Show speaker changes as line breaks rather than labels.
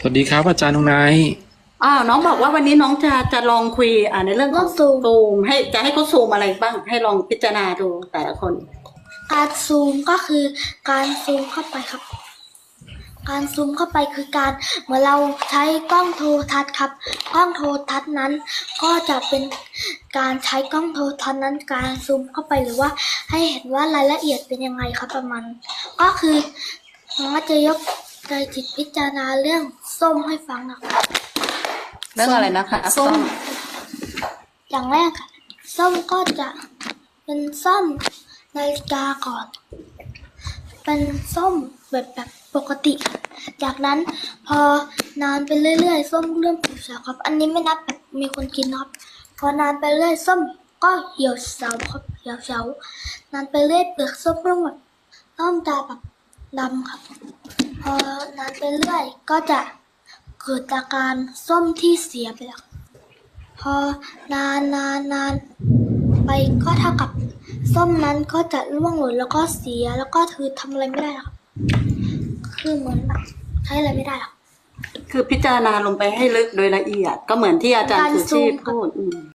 วัสดีครับอาจารย์นงไนท์
น้องบอกว่าวันนี้น้องจะลองคุยในเรื่องของซูมให้เขาซูมอะไรบ้างให้ลองพิจารณาดูแต่ละคน
การซูมก็คือการซูมเข้าไปครับการซูมเข้าไปคือการเหมือนเราใช้กล้องโทรทัศน์ครับกล้องโทรทัศน์นั้นก็จะเป็นการใช้กล้องโทรทัศน์นั้นการซูมเข้าไปหรือว่าให้เห็นว่ารายละเอียดเป็นยังไงครับประมาณก็คือน้องจะยกใจจิตพิจารณาเรื่องส้มให้ฟังนะครับ
เรื่องอะไรนะคะ
ส้มอย่างแรกค่ะส้มก็จะเป็นส้มนาฬิกาก่อนเป็นส้มแบบปกติจากนั้นพอนานไปเรื่อยๆส้มเริ่มเหี่ยวเฉาครับอันนี้ไม่นับแบบมีคนกินครับพอนานไปเรื่อยส้มก็เหี่ยวเฉาครับเหี่ยวเฉานานไปเรื่อยเปลือกส้มเริ่มจะแบบดำครับพอนานไปเรื่อยก็จะเกิดอาการส้มที่เสียไปแล้วพอนานไปก็เท่ากับส้มนั้นก็จะร่วงหล่นแล้วก็เสียแล้วก็คือทำอะไรไม่ได้ครับคือเหมือนแบบใช้อะไรไม่ได้หรอก
คือพิจารณาลงไปให้ลึกโดยละเอียดก็เหมือนที่อาจารย์สุชีพพูด